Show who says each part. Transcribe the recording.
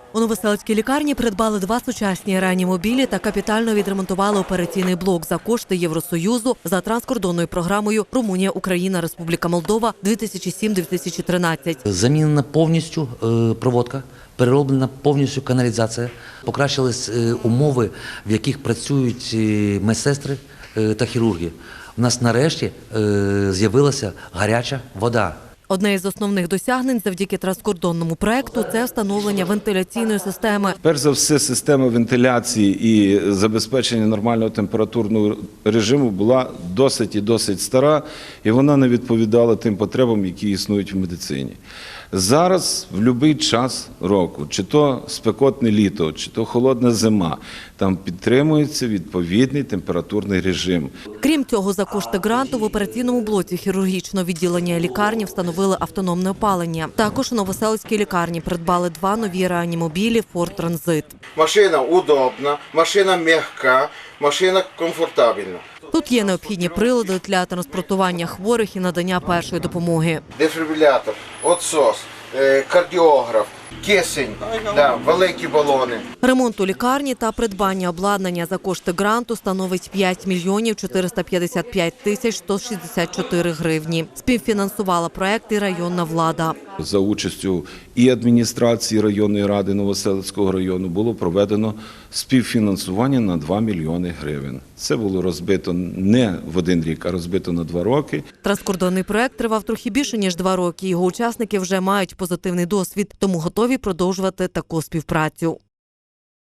Speaker 1: У Новоселицькій лікарні придбали 2 сучасні реанімобілі та капітально відремонтували операційний блок за кошти Євросоюзу за транскордонною програмою «Румунія, Україна, Республіка Молдова» 2007-2013.
Speaker 2: Замінена повністю проводка, перероблена повністю каналізація, покращились умови, в яких працюють медсестри та хірурги. У нас нарешті з'явилася гаряча вода.
Speaker 1: Одне із основних досягнень завдяки транскордонному проекту – це встановлення вентиляційної системи.
Speaker 3: Перш за все, система вентиляції і забезпечення нормального температурного режиму була досить стара, і вона не відповідала тим потребам, які існують в медицині. Зараз, в будь-який час року, чи то спекотне літо, чи то холодна зима, там підтримується відповідний температурний режим.
Speaker 1: Крім цього, за кошти гранту в операційному блоці хірургічного відділення лікарні встановили автономне опалення. Також у Новоселицькій лікарні придбали 2 нові реанімобілі «Форд Транзит».
Speaker 4: Машина удобна, машина м'яка, машина комфортабельна.
Speaker 1: Тут є необхідні прилади для транспортування хворих і надання першої допомоги.
Speaker 4: Дефібрилятор, отсос, кардіограф, кисень, великі балони.
Speaker 1: Ремонт у лікарні та придбання обладнання за кошти гранту становить 5 мільйонів 455 тисяч 164 гривні. Співфінансувала проект і районна влада.
Speaker 3: За участю і адміністрації районної ради Новоселицького району було проведено співфінансування на 2 мільйони гривень. Це було розбито не в один рік, а розбито на 2 роки.
Speaker 1: Транскордонний проект тривав трохи більше, ніж 2 роки. Його учасники вже мають позитивний досвід, тому готові продовжувати таку співпрацю.